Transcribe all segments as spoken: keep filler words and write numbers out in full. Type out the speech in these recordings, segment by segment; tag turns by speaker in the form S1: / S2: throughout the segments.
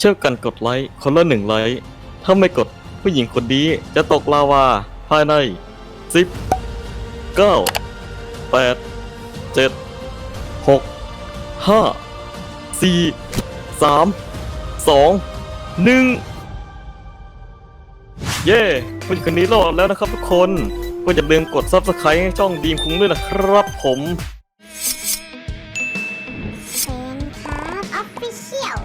S1: เช่วยกันกดไลค์คนละหนึ่งไลค์ถ้าไม่กดผู้หญิงคนนี้จะตกลาวาภายในสิบ เก้า แปด เจ็ด หก ห้า สี่ สาม สอง หนึ่งเย้ผู้หญิงคนนี้รอดแล้วนะครับทุกคนก็อย่าลืมกด ซับสไครบ์ ให้ช่องดีมคุ้งด้วยนะครับผม
S2: เซนครับออฟฟิเชียล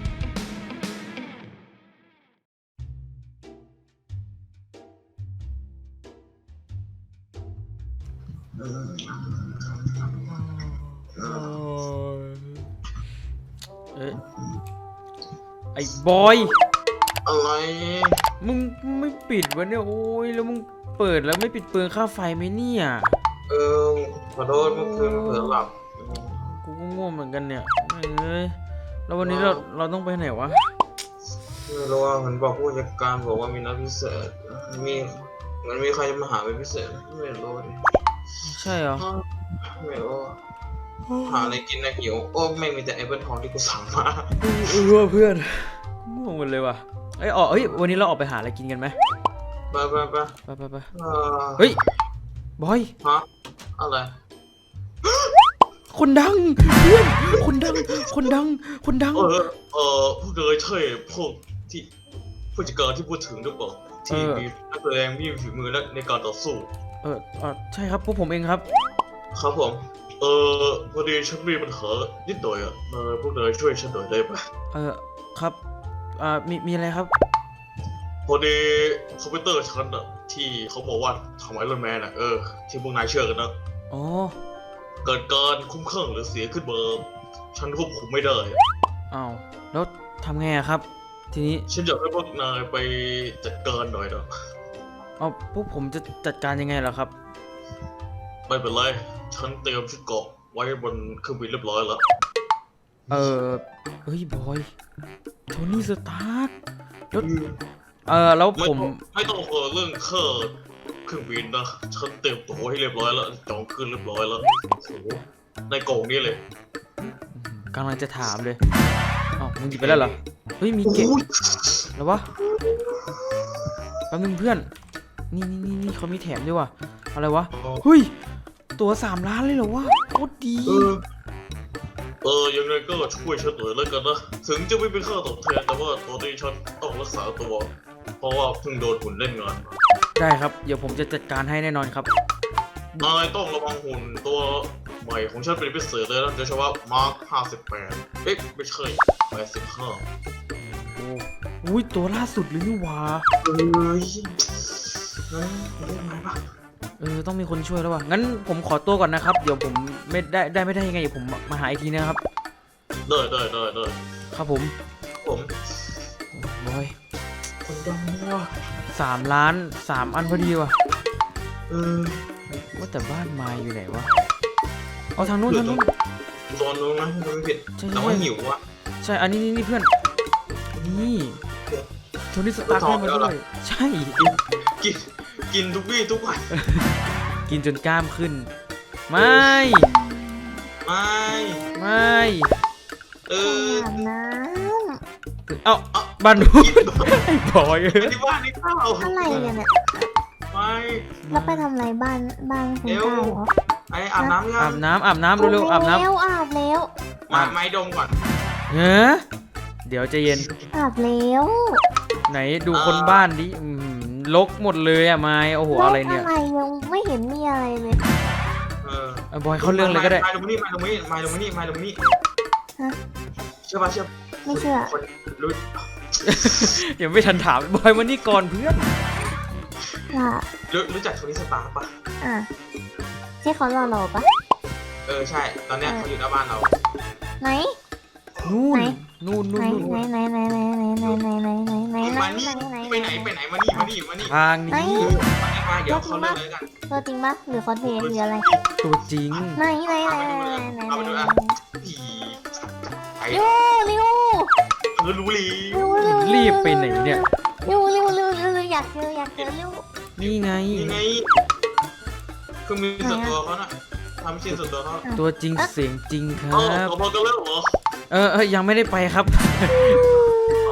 S3: เอ๊ะไอ้บอย
S4: อะไร
S3: มึงไม่ปิดวะเนี่ยโอ้ยแล้วมึงเปิดแล้วไม่ปิดเปลืองค่าไฟไหมเนี่ย
S4: เออขอโทษเมื่อคืนเผลอหลับ
S3: กูก็ง่วงเหมือนกันเนี่ยเอ้ยแล้ววันนี้เราเราต้องไปไหนวะ
S4: ไม่รู้ว่ามันบอกผู้จัดการบอกว่ามีนัดพิเศษมีมันมีใครจะมาหาเป็นพิเศษไม่รู้ดิ
S3: ใช่เหรอ
S4: ไม่รู้หาอะไรกินนะหิวโอ้ไม่มีแต่แอปเปิลทองที่กูสั่งมา
S3: เออเพื่อนง่วงหมดเลยว่ะเอ้ยออกเฮ้ยวันนี้เราออกไปหาอะไรกินกันไหม
S4: ไปไปไป
S3: ไปไปไป
S4: เออ
S3: เฮ้ยบอย
S4: ฮะอะไร
S3: คนดังเพื่อนคนดังคนดังคนดัง
S4: เออเออพวกเธอใช่พวกที่ผู้จัดการที่พูดถึงหรือเปล่าที่มีนักแสดงมีฝีมือและในการต่อสู้
S3: เออเออใช่ครับพวกผมเองครับ
S4: ครับผม เออพอดีฉันมีปัญหานิดหน่อยอ่ะเออพวกนายช่วยฉันหน่อยได้ไหม
S3: เออครับอ่ามีมีอะไรครับ
S4: พอดีคอมพิวเตอร์ฉันอ่ะที่เขาบอกว่าทำไอรอนแมนอ่ะเออที่พวกนายเชื่อกันนะ
S3: อ๋อ
S4: เกิดการคุ้มข้างหรือเสียขึ้นมาฉันควบคุมไม่ได้
S3: อ้าวแล้วทำไงอะครับ ทีนี้
S4: ฉันอยากให้พวกนายไปจัดการหน่อยนะ
S3: เอาพวกผมจะจัดการยังไงล่ะครับ
S4: ไม่เป็นไรฉันเตรียมชุดเกราะไว้บนเครื่องบินเรียบร้อยแล้ว
S3: เออเฮ้ยบอยโทนี่สตาร์กแล้วเออแล้ว
S4: ไม่
S3: ผ
S4: ต้อ
S3: ม
S4: งไม่ต้องเออเรื่องค่าเครื่องบินนะฉันเตรียมตัวให้เรียบร้อยแล้วจองคืนเรียบร้อยแล้วโอ้โหในกล่องนี้เลย
S3: กำลังจะถามเลยอ้าวมึงหยิบไปแล้วเหรอเฮ้ยมีเก็บ
S4: โอ้ย
S3: แล้ววะแป๊บนึงเพื่อนนี่นี่นี่นี่เขามีแถมด้วยว่ะอะไรวะเฮ้ยตัวสามล้านเลยเหรอวะโคตรดี
S4: เออเออยังไงก็ช่วยฉันหน่อยแล้วกันนะถึงจะไม่เป็นค่าตอบแทนแต่ว่าตอนนี้ฉันต้องรักษาตัว เพราะว่าเพิ่งโดนหุ่นเล่นงานมา
S3: ได้ครับเดี๋ยวผมจะจัดการให้แน่นอนครับ
S4: นายต้องระวังหุ่นตัวใหม่ของฉันเป็นพิเศษเลยนะโดยเฉพาะมาร์คห้าสิบแปดเอ๊ะไม่ใช่แปดสิบห้า
S3: โอ้อุ้ยตัวล่าสุดเลยนี่หว่า
S4: เอ้ยเฮ้ยเล่นไหมปะ
S3: เออต้องมีคนช่วยแล้วว่ะงั้นผมขอตัวก่อนนะครับเดี๋ยวผมไม่ได้ได้ไม่ได้ยังไงเดี๋ยวผมมาหาอีกทีนะครับ
S4: ได้ได้ได้ได้
S3: ครับผม
S4: ผม
S3: บอย
S4: คนดังว่ะ
S3: สามล้านสามอันพอดีว่ะ
S4: เออ
S3: ว่าแต่บ้านไม้อยู่ไหนวะเอาทางนู้นทางนู้น
S4: ตอนนู้นนะมันไม่ผิด
S3: ใช่ใช่
S4: แต่ว่าหิวอ่ะ
S3: ใช่อันนี้นี่นี่เพื่อนนี่โทนี่สตาร์กให้มาด้วยใช่
S4: กินกินทุกวี่ทุกวัน
S3: กินจนกล้ามขึ้น ไม่
S4: ไม่
S3: ไม่
S4: เออ
S2: อาบน้
S3: เอ้าบ้านนู้น
S4: กิน
S3: ไอ้บอย
S4: ไม่ได้บ้านนี่ข้าว
S2: ำอะไรกันเนี่ย
S4: ไม่
S2: แล้วไปทำอะไรบ้านบ้านคุณก้าวเหรอ
S4: ไออาบน้ำยั
S3: อาบน้ำอาบน้ำเร็วๆอาบน้
S2: แล้วอาบแล้ว
S4: มาไม้ดมก่อน
S3: ำเฮ้ยเดี๋ยวใจะเย็น
S2: อาบแล้ว
S3: ไหนดูคนบ้านดิอื้อหือลกหมดเลยอะไม้โอ้โหอะไรเนี่ย
S2: อะไรยังไม่เห็นมีอะไรเลย
S4: เออ
S3: เอาบอยเข้าเรื่องเลยก็ได้
S4: มาลงมานี่มาลงมานี่มาลงมานี่มาลงมานี่
S2: ฮะ
S4: เชื่อป่ะเชื่อ
S2: ไม่เชื่อ
S4: คนรู้
S3: ยังไม่ทันถามบอยมานี่ก่อนเพื่อน
S2: ว่า
S4: รู้รู้จักโทนี่สตาร์ป่ะ
S2: อ่ะใช่เขาหล่อหล่อปะ
S4: เออใช่ตอนเนี้ยเขาอยู่หน้าบ้านเรา
S2: ไหน
S3: นู่น
S2: ไหน
S3: นู่นนู่
S2: ไห
S3: น
S2: น
S3: นู่น
S2: ไหนไหนไหนไหนไหนไหนไหนไหนไหนไหน
S4: มานี่
S2: ไหน
S4: ไปไหนไปไหนมานี่มานี่มานี่
S3: ทาง
S2: ไหน
S3: นี้
S4: มานี่มาเดี๋ยวเขาเริ่มเลยกัน
S2: ตัวจริงปะหรือคอสเพลย์หรืออะไร
S3: ตัวจริง
S2: ไหนไหนไหนไหนไหน
S4: เอาไปดู
S2: ไหน
S4: อ่ะผีไอ้
S2: เร็วเร็ว
S4: เออรู้ลี
S2: เร็วเร็ว
S3: รีบไปไหนเนี่ย
S2: เร็วเร็วเร็วเร็วเร็วอยากเจออยากเจอเร็ว
S3: นี่ไง
S4: นี่ไงคือมีส่วนตัวเขาน่ะทำชิ้นส่วนตัวเขา
S3: ตัวจริงเสียงจริงค
S4: เออ
S3: รับ
S4: พอกันแล้วเหรอ
S3: เออเออยังไม่ได้ไปครับ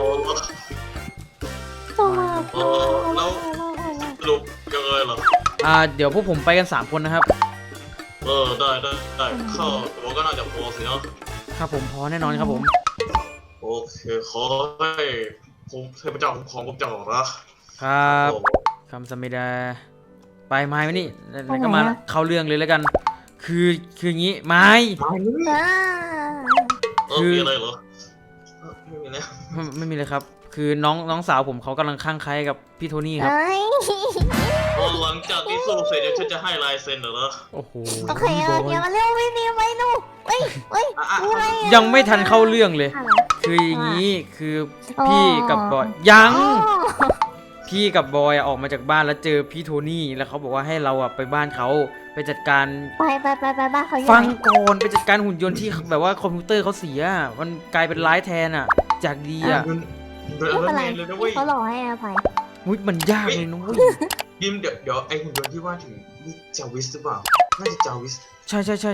S3: อ่าเดี๋ยวพวกผมไปกันสามคนนะครับ
S4: เออได้ได้ได้เข้าตัวก็น่าจะพอสินะครับ
S3: ผมพอแน่นอนครับผม
S4: โอเคขอให้ผมเทพเจ้าคุ้มครองพวกเจ้านะครับ
S3: คำสมิดาไปไม้มานี่แล้วก็มาเข้าเรื่องเลยแล้วกัน คือคืออย่างงี้ไม้
S4: มานี่
S2: อ่า
S4: เออมีอะไรเหรอเออไม่มีแล้ว
S3: ไม่ไม่มีเลยครับ คือน้องน้องสาวผมเขากำลังข้างใครกับพี่โทนี่ครับ
S2: เอ้ย
S4: พอหลังจากที่สู้เสร็จเดี๋ยวฉันจะให้ลายเซ็นเหรอ
S3: โอ้โห
S2: โอเคโอเคมาเร็วไม่ดีไม่ดูเฮ้ยเฮ้ย
S4: อ่ะอ่ะ
S2: อะไรอะ
S3: ยังไม่ทันเข้าเรื่องเลย
S2: อะไร
S3: คืออย่างนี้คือพี่กับบอยยัง
S2: อ๋อ
S3: พี่กับบอยออกมาจากบ้านแล้วเจอพี่โทนี่แล้วเขาบอกว่าให้เราอะไปบ้านเขาไปจัดการ
S2: ไปไปไปไปบ้านเขาอยู่
S3: ฟัง
S2: ไหน
S3: ก่อนไปจัดการหุ่นยนต์ที่แบบว่าคอมพิวเตอร์เขาเสีย มันกลายเป็นร้ายแทนอะจากดีอะ
S4: มันเป็น
S2: ไม่
S4: เอ
S2: เป็น
S4: เม
S2: ไร
S4: นเลยนะเว้ย
S2: เขาหล่อให้อภัย
S3: มุ้ยมันยากเลยนุ้ย
S4: ยิมเดี๋ยวเดี๋ยวไอหุ่นยนต์ที่ว่าถึงนี่จาวิสหรือเปล่าน่าจะจาวิส
S3: ใช่ใช่ใช่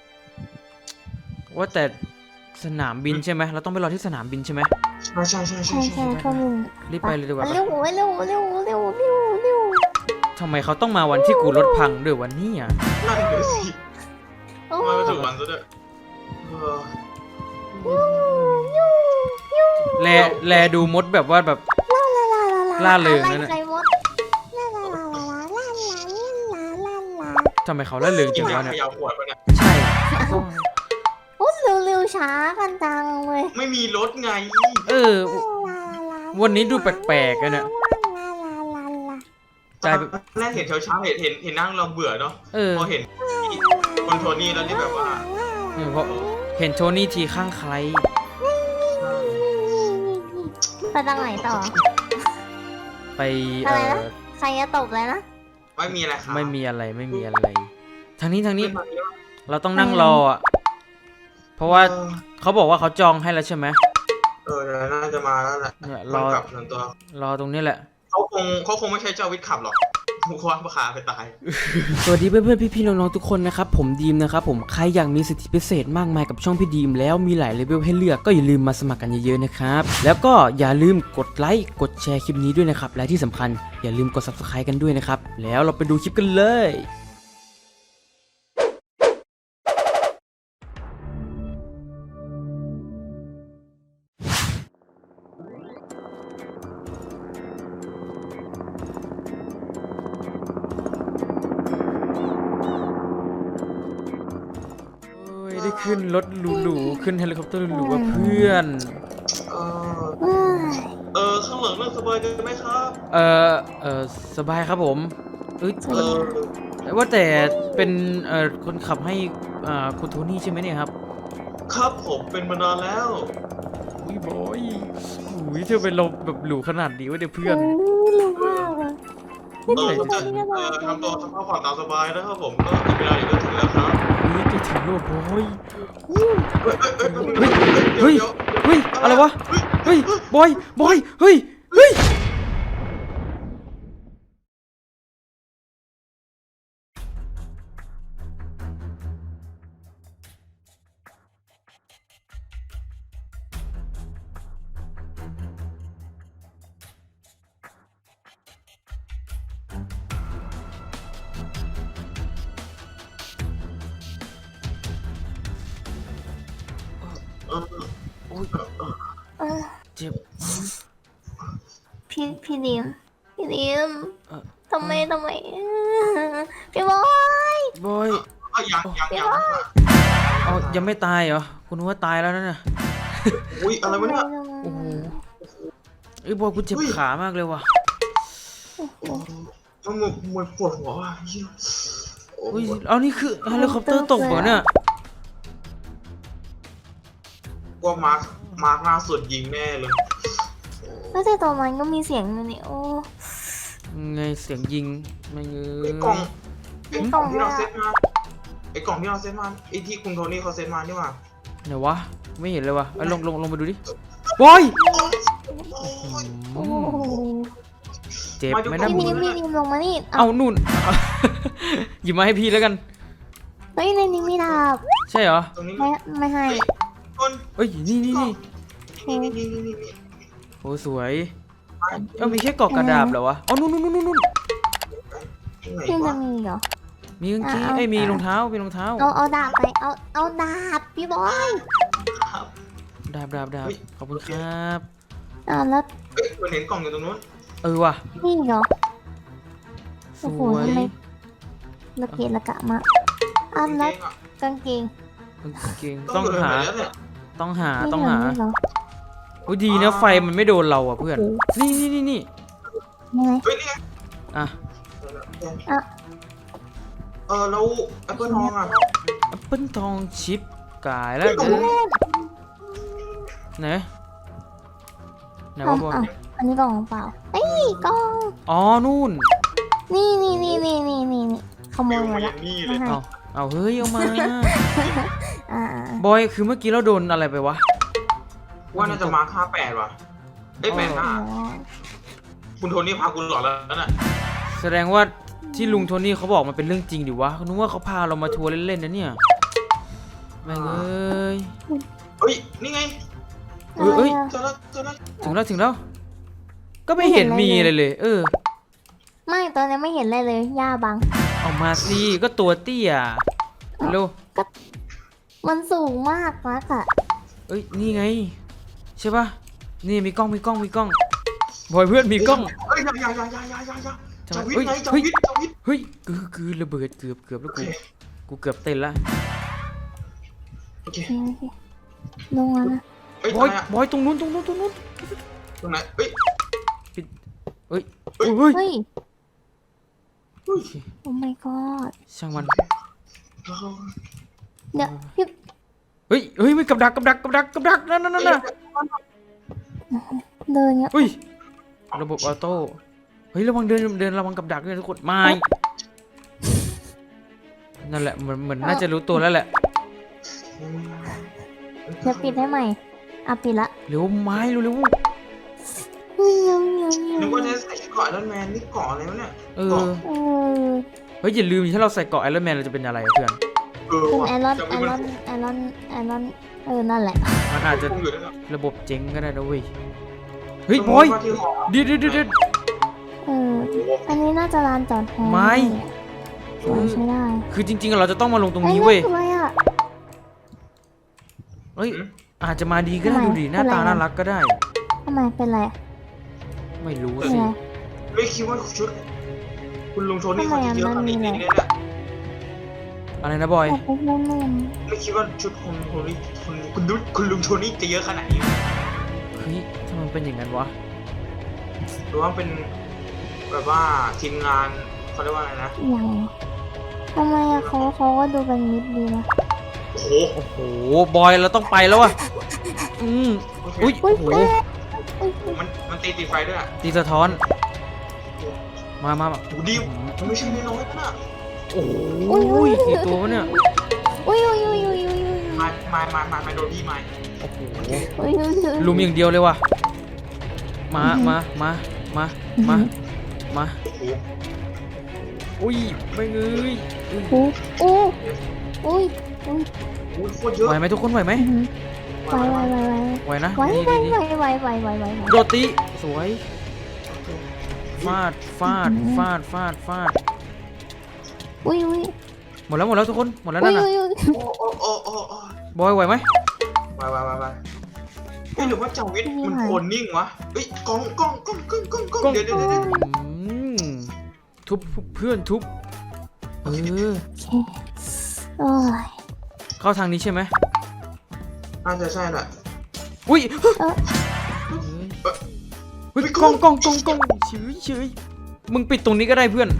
S3: ว่าแต่สนามบินใช่ไหมเราต้องไปรอที่สนามบินใช่ไหม
S4: ใช่ใช่ใช่ใช่
S2: ใช่
S4: ใช่
S2: ใช่พวกมึง
S3: รีบไปเลยดีกว่า
S2: เร็วเร็วเร็วเร็วเร็วเร็ว
S3: ทำไมเขาต้องมาวันที่กูรถพังด้วยวันนี้อ่ะ
S4: นั่นเดี๋ยวสิ
S2: โอ้
S4: มาไปถึงวันซะด้วยเออ
S3: แลแลดูมดแบบว่าแบบ ล่าเริงนั่นน่ะ
S2: อะไรมดลาลาลาลาลาลาลาลาลา
S3: ทำไมเขาละเริง
S4: กิ
S3: จั
S4: น
S3: ง
S4: ยาว
S3: ะเนี่ย
S4: ขยาวขวดไปเนี่ย
S3: ใช่
S2: โอ้เร็วเร็วช้ากันจังเลย
S4: ไม่มีรถไง
S3: เออ วันนี้ดูแปลกๆอะเนี่ย กลายเป็น
S4: แรกเห็นเช้าเช้าๆเห็นเห็นเห็นนั่งเราเบื่อเนาะ
S3: เออ
S4: พอเห็นคนโทนี่แล้วนี่แบบว่า
S3: เออเพราะเห็นโทนี่ทีข้างใคร
S2: ไปทางไหนต่อ
S3: ไป
S2: อะ
S3: เอ
S2: ไร
S3: อ
S2: นะ ใครจะตบเลยนะ
S4: ไม่มีอะไรครับ
S3: ไม่มีอะไรไม่มีอะไร ทางนี้ทางนี้
S4: ไม่มีอะไร
S3: เราต้องนั่งรออ่ะ เพราะว่าเขาบอกว่าเขาจองให้แล้วใช่ไหม
S4: เออเดี๋ยวน่าจะมาแล้วแหละ
S3: เนี่ย
S4: ร
S3: ร
S4: อ
S3: อ
S4: กลับส่วนตัว
S3: รอตรงนี้แหละ
S4: เขาคงเขาคงไม่ใช่เจ้าวิทย์ขับหรอกมุขวานประคาไปตาย
S3: สวัสดีเพื่อนๆพี่ๆน้องๆทุกคนนะครับผมดีมนะครับผมใครอยากมีสิทธิพิเศษมากมายกับช่องพี่ดีมแล้วมีหลายเลเวลให้เลือกก็อย่าลืมมาสมัครกันเยอะๆนะครับแล้วก็อย่าลืมกดไลค์กดแชร์คลิปนี้ด้วยนะครับและที่สำคัญอย่าลืมกด ซับสไครบ์ กันด้วยนะครับแล้วเราไปดูคลิปกันเลยโอ้ยได้ขึ้นรถหรูๆขึ้นเฮลิคอปเตอร์หรูๆกับเพื่อน
S4: เออ
S2: เอ้ย
S4: เออข้างหลังนั่งสบายกันไหมครับ
S3: เออเออสบายครับผมเอ้ย
S4: เออ
S3: ว่าแต่เป็นเอ่อคนขับให้อ่าคุณโทนี่ใช่ไหมเนี่ยครับ
S4: ครับผมเป็นมานานแล้ว
S3: อุ้ยบอยอุ้ยเธอเป็นลมแบบหรูขนาดนี้วะเดี๋ยวเพื่อน
S2: โอ้ยรู้มากเลย
S4: เออผมจะเออทำตัวสภาพผ่อนตามสบายนะครับผมก็อีกเวลาอีกก็ถึงแล้วครับ
S3: นี่จะถึงแล้วบอย
S4: เฮ้ยเฮ้ยเฮ้ย
S3: เฮ้ย อะไรวะ เฮ้ย บอย บอย เฮ้ย เฮ้ย
S4: เออ
S3: โอ้ย
S2: เออ
S3: เจ็บ
S2: พี่พี่ดิมพี่ดิม
S3: เอ่อ
S2: ทำไมทำไมพี่บอย
S3: บอย
S4: เออยังยังยัง
S3: เอายังไม่ตายเหรอ คุณนึกว่าตายแล้วนะเนี่ย
S4: อุ้ยอะไรวะเนี่ย
S3: โอ้โหเอ้ยบอยกูเจ็บขามากเลยว่ะ
S4: มันมันมันปวดหัวว่ะเหี้ยโอ้
S3: เฮ้ย
S4: ย
S3: เอานี่คือเฮลิคอปเตอร์ตกเหรอเนี่ย
S4: กว่ามาร์คมาร์คหน้าสุดยิงแน่เลย
S2: แล้วแต่ตัวมันก็มีเสียงอยู่นี่โอ้
S3: ไงเสียงยิงไม่เง
S4: ไอ้
S3: ย
S4: กล่องไอ้กล่องที่เราเซ็ตมาไอ้กล่องที่เราเซ็ตมาไอ้ที่คุณโทนี่เขาเซ็ตมานี่หว่า
S3: ไหนวะ ไม่เห็นเลยวะเอ้ยลงลงลงไปดูดิ บอย
S2: โอ้
S3: อืมเจ็บไหมนะ
S2: พี่
S3: มึ
S2: ดิ
S3: ง
S2: มพี่ดิมลงมานี่
S3: เอานู่น หยิบมาให้พี่แล้วกัน
S2: เฮ้ยในนี้มีดาบ
S3: ใช่เหรอ
S4: ตรงนี้
S2: ไม่ไม่ให้
S4: คน
S3: เอ้ย นี่นี่นี่
S4: นี่นี่นี่นี่นี่
S3: โอ้สวย เอ้ามีแค่เกาะกระดาบเหรอวะอ๋อนู่นนู่นนู่นนู่น
S4: ไหน
S2: พี่จะ
S4: วะ
S2: มีเหรอ
S3: มีกางเกง
S2: เอา
S3: ไอ้ยมี
S2: เอา
S3: รองเท้ามีรองเท้า
S2: เอาเอาดาบไปเอาเอาดาบพี่บอย
S4: ครับ
S3: ดาบดาบดาบ
S4: เฮ้ย
S3: ขอบคุณครับ
S2: อ่าแล้ว
S4: เอ้ยมันเห็นกล่องอยู่ตรงนู้น
S3: เออว่ะ
S2: นี่เหรอ
S3: ส
S2: โอ้โห
S3: วย
S2: ทำไมละเกะละกะมากอ่าแล้ว
S4: กางเกงอะ
S2: กางเกง
S3: กางเกง
S4: ต้
S3: ต้
S4: อ
S3: อง ง
S4: อยู่
S3: หา
S4: ไหนแล้วเนี่ย
S3: ต้องหา
S2: นี่
S3: ต้อง
S2: เหร
S3: หา
S2: นี่เหรอ
S3: โอ้ยดีนะไฟมันไม่โดนเราอ่ะเพื่อน
S2: โอ้โห
S3: นี่นี่นี่นี่
S2: ยังไง
S4: เฮ้ยนี่ไง
S3: อ่ะ
S2: อ่ะ
S4: เออแล้วแอปเปิลทองอ่ะ
S3: แอปเปิ้ลทองชิปกายแล้ว
S4: เฮ้ย
S3: เดี๋ยวไหนไหนวะบอล
S2: อ่ะอันนี้กล่องเปล่าเอ้ยกล่อง
S3: อ๋อนู่น
S2: นี่นี่นี่นี่นี่นี่นี่ขโม
S4: ฟิ
S2: ยว มา
S4: มาอ
S2: ละ
S4: ย่างนี้เลย
S2: ให้
S3: เอาเอาเฮ้ยเอามา
S2: อ่า
S3: บอยคือเมื่อกี้เราโดนอะไรไปวะ
S4: ว่าน่าจะมาค่าแปดว่ะเอ้ยแปดห้า
S2: อ่า
S4: คุณโทนี่พาคุณหลอนแล้วน่ะ
S3: แสดงว่าที่ลุงโทนี่เขาบอกมันเป็นเรื่องจริงดิวะนึกว่าเขาพาเรามาทัวร์เล่นๆนะเนี่ยแม่งเอ้ย
S4: เฮ้ยนี่ไง
S3: เอ้ยเอ้ย
S4: เจอแล้วเจอแล้ว
S3: ถึงแล้วถึงแล้ว ก็ไม่เห็นมีอะไรเลย เออ
S2: ไม่ตอนนี้ไม่เห็นอะไรเลยย่าบัง
S3: เอามาสิก็ตัวเตี้ยเร็ว
S2: มันสูงมากมากอะ
S3: เอ้ยนี่ไงใช่ปะนี่มีกล้องมีกล้องมีกล้องบอยเพื่อนมีกล้อง
S4: เฮ้ยอย่าอย่าอย่าอย่าอย่าอย่า
S3: ทำ
S4: จะ
S3: ไม
S4: วิท
S3: เฮ้ย
S4: ย์ไงจะ
S3: เฮ้ย
S4: วิทย์จะวิทย์
S3: เฮ้ยคือคือระเบิดเกือบเกือบแล้วกูกูเกือบเต้นละ
S4: โอเค
S2: โอเคโอเคลงมานะ
S4: เฮ้ย
S3: บอย
S4: ทำไมอะ
S3: บอยตรงนู้นตรงนู้นตรงนู้น
S4: ตรงไหนเฮ้ย
S3: เฮ้ย
S4: เฮ้ย
S3: เฮ้ย
S2: เฮ้ย
S4: เฮ้ย
S2: โอ้ my god
S3: ช่างมัน
S2: เดี๋ยวพี่
S3: เฮ้ยเฮ้ยไม่กับดักกับดักกับดักกับดักนั่นนั่นนั่นน่ะ
S2: เดินเงี้ย
S3: เฮ้ยระบบออโต้เฮ้ยระวังเดินเดินระวังกับดักด้วยทุกคนไม่นั่นแหละเหมือนเหมือนน่าจะรู้ตัวแล้วแหละ
S2: เดี๋ยวปิดให้ใหม่อ่ะปิดละ
S3: เร็วไม้เร็วเร็ว
S2: เฮ้ยเงี้ยเงี้ยเงี้ย
S4: นึกว่าจะใส่เกาะไอรอนแมนนี่เกาะอะไรวะเนี่ย
S3: เอ
S4: เกาะ
S3: อ
S2: เออ
S3: เฮ้ยอย่าลืมถ้าเราใส่เกราะไอรอนแมนเราจะเป็นอะไรอะเพื่อน
S4: เออ
S2: เป็น
S4: ว่ะ
S2: ไอรอน
S4: จะ
S2: ไอ
S4: มี
S2: ร
S4: มั
S2: อน นไอรอนไอรอนเออนั่นแหละ
S3: มันอาจจะ
S4: คงอยู่นั่นแหละ
S3: ระบบเจ๊งก็ได้นะเว้ยเฮ้ยบอย
S4: ว่าที่หอ
S3: เดี๋ยวเดี๋ยวเดี๋ยวเดี๋ยว
S2: เอออันนี้น่าจะลานจอดแฮ
S3: ไม่
S2: สวยใช้ได้
S3: คือจริงๆเราจะต้องมาลงตรงนี้
S2: อ้
S3: เว้ย
S2: นั่นคืออะไรอ่ะ
S3: เฮ้ยอาจจะมาดีก็ได้
S2: ทำไม
S3: ดูดิหน้าตา
S2: เป็นไรอะ
S3: น่ารักก็ได้
S2: ทำไมเป็นไรอะ
S3: ไม่รู้
S2: เป็น
S3: สิ
S2: ไร
S4: ไม่คิดว่าชุด คุณลุงโทนี่
S2: ทำไม
S4: เขาจะ
S2: อะ
S4: เยอะขนาดนี้
S2: มันมี
S4: เนี่ย
S2: อะไร
S4: เนี่ย
S3: อะไรนะบอย
S2: แต่เป็นเรื่อง
S4: ไม่คิดว่าชุดคุณโทนี่คุณคุณดุคุณลุงโทนี่จะเยอะขนาดนี้
S3: เฮ้ยทำไมมันเป็นอย่างนั้นวะ
S4: หรือว่าเป็นแบบว่าทีมงานเขาเรียกว่าอะไรนะ
S2: อย่างทำไมอะเขาเขาก็ดูเป็นมิตรดีนะ
S4: โอ้โห
S3: โอ้โหบอยเราต้องไปแล้วอะอืมอุ้ย
S2: อุ้
S3: โอ้
S2: ย
S3: โห
S2: อุ้ยอุ้ย
S4: มันมันตีตีไฟด้วยอ่ะ
S3: ตีสะท้อนมามามา
S4: โอ้ดีมันไม่ใช่น้อยๆนะ
S3: โอ้โหกี่ตัววะเนี่ย
S2: อุ้ยอุ้ยอุ้ยอุ้ยอุ้ยอุ้ย
S4: มามามามามาโดนพี่มา
S3: โอ้โห
S2: อุ้ยอุ้ยอุ้ย
S3: ลุมอย่างเดียวเลยว่ะมามามามามามา
S4: โอ้โห
S3: อุ้ยไม่เอ้ยอุ้ย
S2: โอ้โอ้อุ้ยอุ้ย
S4: โอ้โหโคตรเยอะ
S3: ไหวไหมทุกคนไหวไหม
S2: อื้อหือไหวไหวไหวไหว
S3: ไหวนะ
S2: ไหว
S3: ดี
S2: ไหว
S3: ดี
S2: ไหว
S3: ดี
S2: ไหวไหวไหวไหวไหว
S3: โดดตีสวยฟาดฟาดฟาดฟาดฟาด
S2: อุ้ยอุ้ย
S3: หมดแล้วหมดแล้วทุกคนหมดแล้ว
S2: อุ้
S3: นั่
S2: ย
S3: นน่ะ
S2: อุ้ยอุ้ย
S4: โอ้โอ้โอ้โอ้โอ้
S3: บอยไหวไหม
S4: ไปไปไปไปเฮ้ยหรือว่าเจ้าวิทย์มันโคนนิ่งวะเฮ้ยกล้องกล้องกล้องกล้องกล้องกล้องเดี๋ยวเดี๋ยวเดี๋ยว
S3: อืมทุบเพื่อนทุบเออ
S2: โอ้ย
S3: เข้าทางนี้ใช่ไหม
S4: น่าจะใช่แหละ
S3: อุ้ย
S2: เออ
S3: เฮ้ยกล้องกล้องกล้องกล้องเฉยเฉยมึงปิดตรงนี้ก็ได้เพื่อน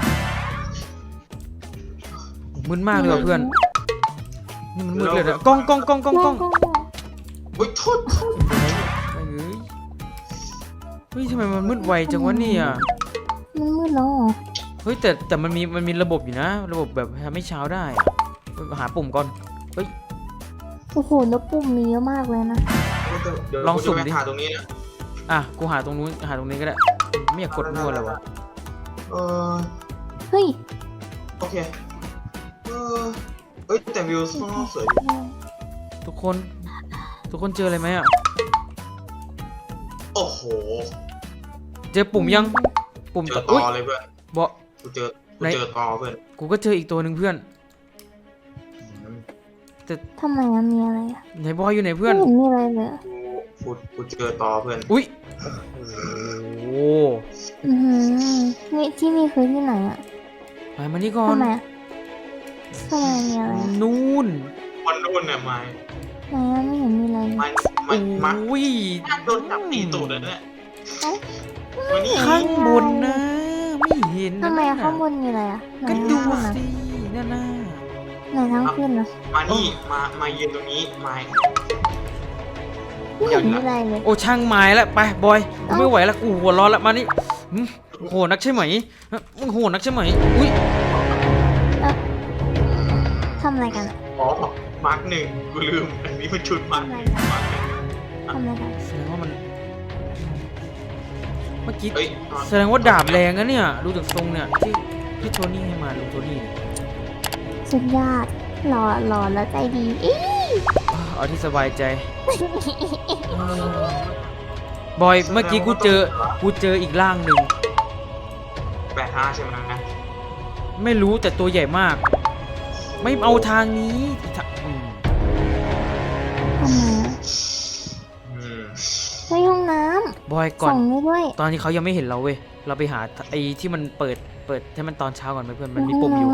S3: มึนมากเลยว่ะเพื่อนนี่มันมืดเลยนะกล้องกล้องกล้องกล้องกล้อง
S4: เฮ้ยโทษโทษ
S3: ไม่เอ้ยเฮ้ยทำไมมันมืดไวจังวะเนี่ย
S2: มันมืดแล้วเหรอ
S3: เฮ้ยแต่แต่มันมีมันมีระบบอยู่นะ ระบบแบบทำให้เช้าได้อะหาปุ่มก่อนเฮ้ย
S2: โอ้โหแล้วปุ่มมีเยอะมากเลยนะ
S4: เดี๋ยว
S3: ลองสุ่มดิ
S4: กูจะไปหาตรงนี้นะ
S3: อ่ะกูหาตรงนู้นหาตรงนี้ก็ได้ไม่อยากกดมั่วเลยวะ
S4: เออ
S2: เฮ้ย
S4: โอเคเออเอ้ยแต่วิวข้างนอกสวยดี
S3: ทุกคน ทุกคนเจออะไรไหมอ่ะ
S4: โอ้โห
S3: เจอปุ่มยังปุ่ม
S4: เจอ
S3: อุ้ย
S4: ต่อเลยเพื่อน
S3: บอก
S4: กูเจอกูกูเจอตอเพื่อน
S3: กูก็เจออีกตัวหนึ่งเพื่อน
S2: ทำไมอะมีอะไรอะ
S3: ไหนบอยอยู่ไหนเพื่อน
S2: ไม่เห็นมีอะไรเลยอะ
S4: กูกูเจอตอเพื่อน
S3: อุ้ยโอ้
S2: อือหือนี่ที่นี่คือที่ไหนอะ
S3: ไปมานี่ก่อน
S2: ทำไมอะทำไมมีอะไรอะ
S3: นู่น
S4: มันโดนเนี่ยไม้
S2: ไหนอะไม่เห็นมีอะไรเลย
S4: ไม้ไม้ไม้
S3: อุ้ย
S4: โดนจับตีตูดเลยเนี่ยวันนี้
S3: ข้างบนนะ ไม่เห็นนะ
S2: ทำไมอะข้างบนมีอะไรอะไหน
S3: ก็ดู
S2: ข้างบนอะ
S3: สินั่นน่ะ
S2: ไหนทั้งขึ้นอะ
S4: มานี่มามายืนตรงนี้ไม้
S2: ไม่เห็นมีอะไรเลย
S3: โอ้ช่างไม้แล้วไปบอยกูไม่ไหวแล้วกูหัวร้อนแล้วมานี่หึโหดนักใช่ไหมฮะมึงโหดนักใช่ไหมอุ้ย
S2: ทำอะไรกันอะ
S4: อ๋อมาร์กหนึ่งกูลืมอันนี้มันชุดมาร์กหนึ่งมาร์กหนึ่ง
S2: ทำอะไรกัน
S3: แสดงว่ามันเมื่อกี้
S4: เอ้ย
S3: แสดงว่าดาบแรงนะเนี่ยดูจากทรงเนี่ยที่ที่โทนี่ให้มาลุงโทนี่เนี่ย
S2: สุดยอดหล่อหล่อแล้วใจดีอี
S3: เอาที่สบายใจเออบอยเมื่อกี้กูเจอกูเจออีกร่างหนึ่ง
S4: แปดห้าใช่ไหมนะ
S3: ไม่รู้แต่ตัวใหญ่มาก ไม่เอาทางนี้ทะอืม
S2: ทำไมอะ
S4: อืม
S2: ไปห้องน้
S3: บอย
S2: ำ
S3: ก่อน
S2: ส่องได้ด้วย
S3: ตอนนี้เขายังไม่เห็นเราเว้ยเราไปหาไอ้ที่มันเปิดเปิดให้มันตอนเช้าก่อนไหมเพื่อนมันมีปุ่มอยู่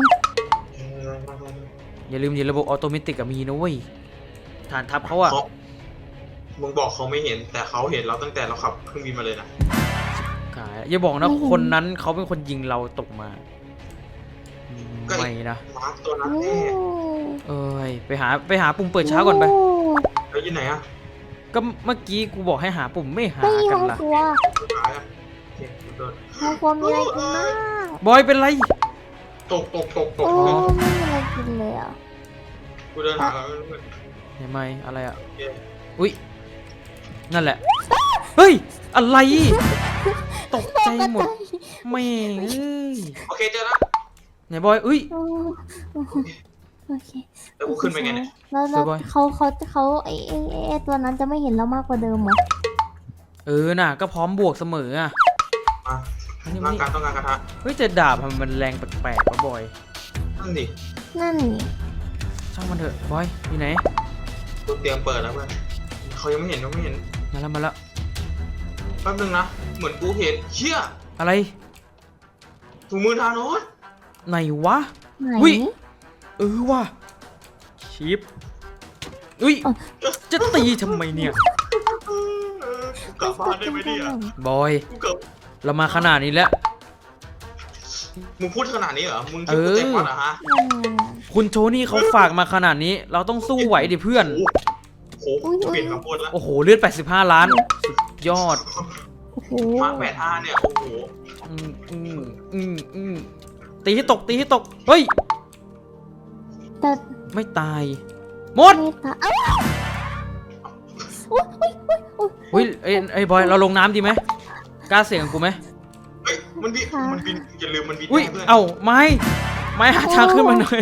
S3: อย่าลืมดิระบบออโตเมติกอะมีนะเว้ยฐานทัพเขาอะ
S4: เขามึงบอกเขาไม่เห็นแต่เขาเห็นเราตั้งแต่เราขับเครื่องบินมาเลยนะ
S3: กายอย่าบอกนะคนนั้นเขาเป็นคนยิงเราตกมาอืมไม่นะ
S4: มาร์กตัวนั้น
S2: โอ้
S4: แน่
S3: เอ้ยไปหาไปหาปุ่มเปิดเช้าก่อนไป
S2: โ
S4: แล้วอยู่ไหนอะ
S3: ก็เมื่อกี้กูบอกให้หาปุ่มไม่หา
S2: ไป
S3: กั
S2: ห้
S3: น
S2: อง
S3: ล่ะ
S2: ครัว
S4: สุดท้ายอะโอเคกูเดิน
S2: ห้องครัวมีอะไรกินบ้าง
S3: บอยเป็นไร
S4: ตกตกตกตก
S2: โอ้
S4: เพื่อน
S2: ไม่มีอะไรกินเลยอ่ะ
S4: กูเดินหาแล้วเพื่อน
S3: เห็นไหมอะไรอะ
S4: โอเค
S3: อุ้ยนั่นแหละเฮ้ยอะไรตกใจหมดแม่งเอ้ย
S4: โอเคเจอแล้ว
S3: ไหนบอยอุ้ย
S2: โอ้โอเค
S4: แล้วกูขึ้นไปไงเนี่ย
S2: แล้วแล้ว
S3: สวยบอย
S2: เขาเขาเขาไอ้ไอ้ไอ้ไอ้ตัวนั้นจะไม่เห็นเรามากกว่าเดิมเหรอ
S3: เออน่ะก็พร้อมบวกเสมออะ
S4: มา
S3: อันนี้
S4: ร่า
S3: มัน
S4: งกายต้องการกระทะ
S3: เฮ้ยแต่ดาบมันแรงแปลกๆวะบอย
S4: นั่นดิ
S2: นั่นนี่
S3: ช่างมันเถอะบอยอยู่ไหน
S4: กูเตรียมเปิดแล้วเพื่อนเขายังไม่เห็นยังไม่เห็น
S3: มาแล้วมาแล้ว
S4: แป๊บนึงนะเหมือนกูเห็นเชี่ย
S3: อะไร
S4: ถุงมือทานอส
S3: ไหนวะ
S2: ไหน
S3: อุ๊ย เออว่ะชิปอุ้ยจะตีทำไมเนี่ย
S4: กูกลับบ้านได้ไหมเนี่ย
S3: บอย
S4: กูกลับ
S3: เรามาขนาดนี้แล้ว
S4: มึงพูดขนาดนี้เหรอมึงคิดกูเจ็บก่อนเหรอฮะ
S2: นั่นไง
S3: คุณโทนี่เขาฝากมาขนาดนี้ เราต้องสู้ไหวดิเพื่อน
S4: โอ้โหเปลี่ยนคำพูดแล้ว
S3: โอ้โหเลือดแปดสิบห้าล้าน สุดยอด
S2: โอ้โห
S4: มาแปดห้าเนี่ยโอ้โห
S3: อืมอืมอืมอืมตีให้ตกตีให้ตก เฮ้ย
S2: แต่
S3: ไม่ตายหมด
S2: ไม่ตาเอ้าอุ๊ยอุ๊ยอุ๊ยอุ๊ย
S3: เฮ้ยไอ้ไอ้บอยเราลงน้ำดีไหมกล้าเสี่ยงกับกูไหม
S4: เฮ้ยมันบินมันบินอย่าลืมมันบิน
S3: อุ้ย
S4: ได้เพื่อน
S3: เอ้าไม้ไม้หาทางขึ้นมาหน่อย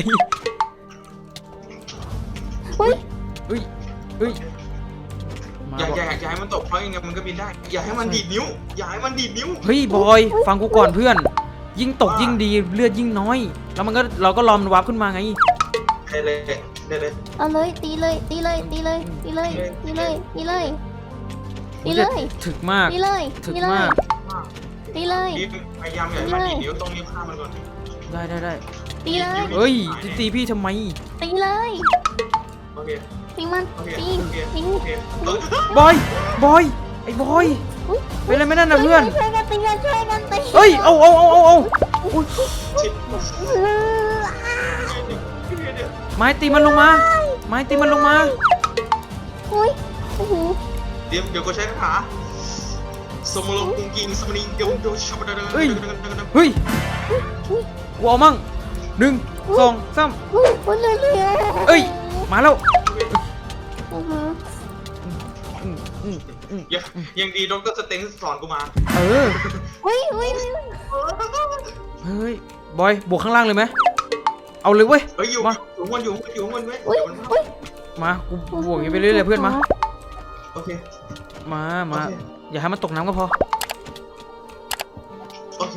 S2: อุ๊ย
S3: เฮ้ยเฮ้ยมา
S4: อย่า
S3: บอก
S4: อย่าอย่าให้มันตกเพราะยังไงมันก็บินได้ อย่าให้มันดีดนิ้ว อย่าให้มันดีดนิ้ว
S3: เฮ้ยบอยฟังกูก่อนเพื่อน ยิ่งตกยิ่งดีเลือดยิ่งน้อย แล้วมันก็เราก็รอมนวับขึ้นมาไง
S4: ได้เลยได้เลย
S2: เอาเลยตีเลยตีเลยตีเลยตีเลยตีเลยตีเลยตีเลย
S3: ถึกมาก
S2: ตีเลย
S3: ถึก
S2: ตีเล
S3: มาย ก
S2: ตีเลย
S4: รีบพยายามอย่าให้มันดีดนิ้วต้องนิ้วข้ามมันก่อน
S3: ได้ได้ได้
S2: ตีเลย
S3: เฮ้ยจะตีพี่ทำไม
S2: ตีเลย
S4: โอเค
S2: ตีมัน
S4: โอเค
S2: ตี
S4: โอเค
S2: ตี
S4: โอเคเออบ
S3: อยบอยไอ้บอย
S2: อุ๊ย
S3: เป็นอะไรไม่นั่นนะเพื่อน
S2: ช่วยกันตีกันช่วยกันตี
S3: เฮ้ยเอาเอาเอาเอาเอา
S4: ชิด
S2: เอออ่ะ
S3: ไม้ตีมันลงมาไม้ตีมันลงมา
S2: โอ้ยโอ้โห
S4: เดี๋ยวเดี๋ยวกูใช้คาถาสมรภูมิกิงสมนิงเดี๋ยวเดี๋ยวชับเดินเดินเดินเดินเดินเดิน
S3: เฮ้ยกูเอามั่งหนึ่งสองสาม
S2: โอ้ยโอ้ยเลยเลย
S3: เอ้ยมาแล้ว
S2: อือหือ
S3: อืมอืมอืม
S4: ยังยังดีดรสเต็งสอนกูมา
S3: เออ
S2: เฮ้ยเฮ้ย
S3: เฮ้ยบอยบวกข้างล่างเลยไหมเอาเลยเว้ย
S4: เฮ้ยอยู่
S3: มา
S4: อยู่มันอยู่อยู่มันไหม
S2: เฮ้ย
S4: เดี๋ยวมัน
S2: เฮ้ย
S3: มากูบวกอย่างนี้ไปเรื่อยๆเพื่อนมา
S4: โอเค
S3: มามา
S4: โอเค
S3: อย่าให้มันตกน้ำก็พอ
S4: โอเค
S3: โอ้โห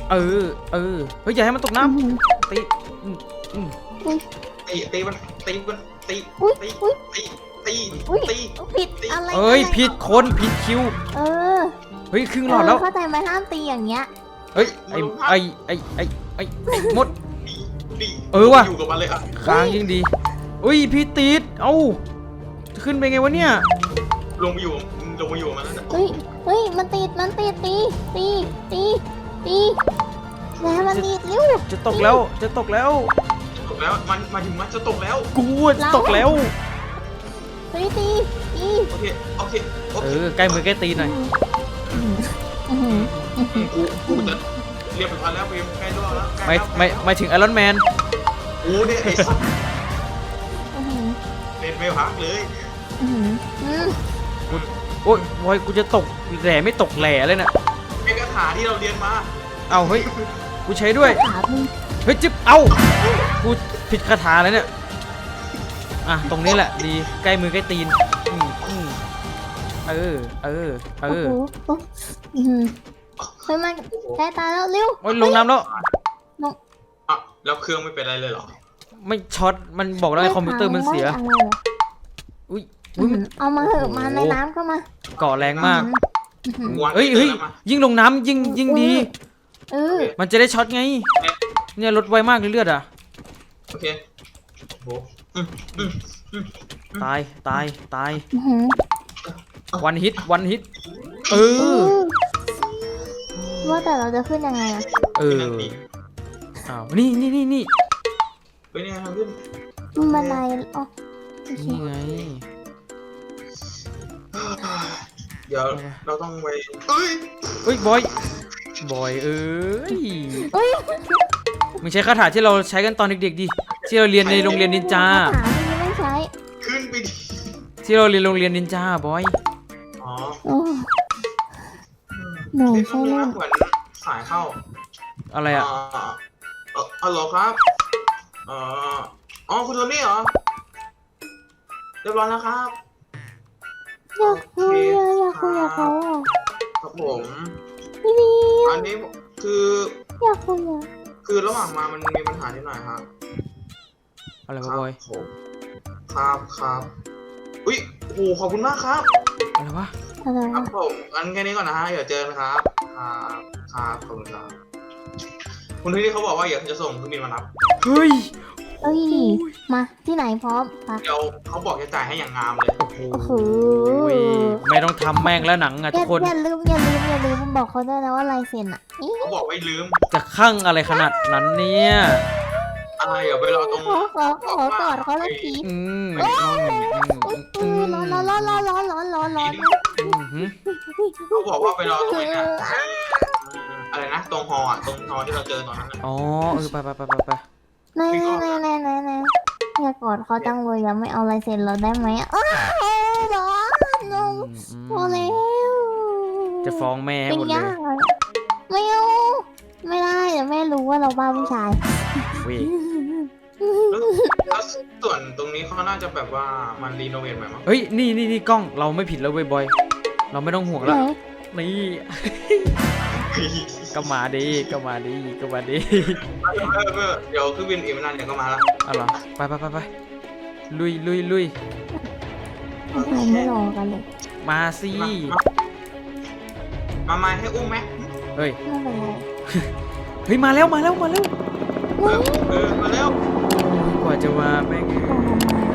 S3: เออเออเฮ้ยอย่าให้มันตกน้ำตีอืมอืม
S4: ตีตีมันตีมันตี
S2: อุ้ย
S4: ตี
S2: อุ้ย
S4: ตีตี
S2: อุ้ย
S4: ตี
S2: ผิดอะไร
S3: เอ้ย
S2: อะไร
S3: ผิดคนผิดคิว
S2: เออ
S3: เฮ้ยครึ่งหลอดแล้ว
S2: เข้าใจไหมห้ามตีอย่างเงี้ย
S3: เฮ้ยไอไอไอไอไอไอ้มด
S4: ตี
S3: เออว่ะ
S4: อยู่กับมันเลยครับ
S3: ค้างยิ่งดีอุ้ยพี่ติดเอ้าขึ้นไปไงวะเนี่ย
S4: ลงไปอยู่ลงไปอยู่กับมันแล้วนะ
S2: เฮ้ยเฮ้ยมันติดมันติดตีตีตีตีแล้วมันติดเร็ว
S3: จะตกแล้วจะตกแล้ว
S4: ตกแล้วมันมาถึงมันจะตกแล้ว
S3: กูจะตกแล้ว
S2: เฮ้ยตีตี
S4: โอเคโอเคโอ
S3: เอ
S4: เค
S3: อใกล้มือใกล้ตีนหน่อย
S2: อื้อหือ
S4: กูกูจะเรียบร้อยแล้วเวมใกล้รอดแล้วใกล้
S3: ไม่
S4: แล้ว
S3: ไม่ไม่ถึงไอรอนแมน
S4: กูเนี่ยไอ้สัส
S2: อื้อหือ
S4: เล่นไม่พักเลย
S2: อื้อหืออืม
S3: โอ้ยบอยกูจะตกแหล่ไม่ตกแหล่เลยน่ะ
S4: เป็นคาถาที่เราเรียนมา
S3: เอาเฮ้ยกูใช้ด้วย
S2: ขามึง
S3: เฮ้ยจิ๊บเอ้ากูผิดคาถาเลยเนี่ยอ่ะตรงนี้แหละดีใกล้มือใกล้ตีนอืมอืมเออเออเอ
S2: โอ้
S3: อ
S2: โหโอ้อื้อหือเฮ้ยมันใกล้ตายแล้วเร็ว
S3: โอ้ยลงน้ำแล้ว
S4: อ่ะแล้วเครื่องไม่เป็นไรเลยเหรอ
S3: ไม่ช็อตมันบอกแล้วไอ้คอมพิวเตอร์มันเสีย
S2: ไอะไรเหรอ
S3: อุ้ย
S2: อื้
S3: อุ้
S2: อย หื
S3: มัน
S2: อเอามาเหอะมาในน้ำก็มา
S3: เกาะแรงมาก
S2: อื้อหือ
S4: วาง
S3: เฮ้ยเฮ้ย
S4: แล้วมา
S3: ยิ่งลงน้ำยิ่งยิ่งดี
S2: เออ
S3: มันจะได้ช็อตไง เนี่ยลดไวมากเลยเลือดอ่ะ
S4: โอเคโอ้โหอืมอืมอืม
S3: ตายตายตาย
S2: อื้อหือ
S3: วันฮิตวันฮิตเอ
S2: เอ
S3: อ
S2: อว่าแต่เราจะขึ้นยังไงอะ
S3: เอออ้าวนี่นี่นี่นี่
S4: เฮ้ยเนี่ยทางขึ้น
S2: มันบันไดอ๋อโอเค
S3: นี่ไง
S4: เดี๋ยวเราต้องไปเอ้ย
S3: เฮ้ยบอยบอยเอ้ย
S2: เอ้ย
S3: มึงใช้คาถาที่เราใช้กันตอนเด็กๆดิที่เราเรียนในโรงเรียนนินจา
S2: คถาที่ไม่ใช้
S4: ขึ้นไปดิ
S3: ที่เราเรียนโรงเรียนนินจาบอย
S4: อ๋อ
S2: โอ้หนู
S4: เล่น
S2: ใช่
S4: นี้
S2: เล่น
S4: เหมือนสายเข้า
S3: อะไรอ่ะ
S4: เออเออฮัลโหลครับเอ่ออ๋อคุณโทนี่เหรอเรียบร้อยแล้วครับ
S2: อยากคุยอะอยากคุยกับเขาอะ
S4: ครับผม
S2: พี่ดี
S4: อันนี้คือ
S2: อยากคุยอะ
S4: คือระหว่างมามันมีปัญหานิดหน่อยครับ
S3: อะไร
S4: คว
S3: ะบอย
S4: ผมครับครับอุ้ยโอ้โหขอบคุณมากครับ
S3: อะไรวะ
S2: อะไร
S4: ครั
S2: วะ
S4: บผมงั้นแค่นี้ก่อนนะฮะเดี๋ยวเจอกันครับครับครับขอบคุณครับคุณที่นี่เขาบอกว่าอยากจะส่งเครื่องบินมารับ
S3: เฮ้ย
S2: เอ้ยมาที่ไหนพร้อมไป
S4: เดี๋ยวเขาบอกจะจ่ายให้อย่างงามเลย
S3: โอ้โห
S2: โอ้โห
S3: ไม่ต้องทำแม่งแล้วหนังอ่ะ
S2: อ
S3: ทุ
S2: ย่าก
S3: คน
S2: อย่าลืมอย่าลืมอย่าลืมบอกเขาด้วยนะว่าลายเซ็นอะนี่
S4: เขาบอกไว้ลืม
S3: จะคั่งอะไรขนาดนั้นเนี่ย
S4: อะไรเดี๋ยวไปรอตรง
S2: ขอขอขอกอดเขาเลยที
S3: อืม
S2: อุ๊ย
S3: อื
S2: อื
S3: ม
S2: อร้อนร้อนร้อนร้อนร้อนร้อนร้อนร้อน
S3: อืมหืม
S4: เขาบอกว่าไปรอตรงนี้นะอะไรนะตรงฮออ่ะตรงฮอที่เราเจอตอนนั้นน่ะ
S3: อ๋อเออไปไปไปไปไป
S2: ไหนไหนไหนไหนไหนอย่ากอดเขาจังเลยอย่าไม่เอาลายเซ็นเราได้ไหมอะอ้าวร้อนลง
S3: อืมอืม
S2: พอแล้ว
S3: จะฟ้องแม่ให้
S2: เป็น
S3: หมดเลย
S2: ยากเลยไม่เอาไม่ได้เดี๋ยวแม่รู้ว่าเราบ้าผู้ชาย
S3: เว้ย
S4: แล้วแล้วส่วนตรงนี้เขาน่าจะแบบว่ามันรีโนเวทใหม่มั้ง
S3: เฮ้ยนี่นี่นี่กล้องเราไม่ผิดแล้วเว้ยบอย เราไม่ต้องห่วง
S2: ไหน
S3: แล้วนี่ก็มาดีก็มาดีก็มาดี
S4: เออเออเดี๋ยวเครื่องบินอีกไม่นานเดี๋ยวก็มาละ
S3: เอาเหรอไปไปไปไปลุยลุยลุย
S2: ทำไมไม่รอกันเลย
S3: มาสิ
S4: มามามาให้อุ้มไหม
S3: เฮ้ย
S2: ไม่เป็นไร
S3: เฮ้ยมาแล้วมาแล้วมาแล้ว
S4: เออเออมาแล้ว
S3: กว่าจะมาแม่ง
S2: โอ้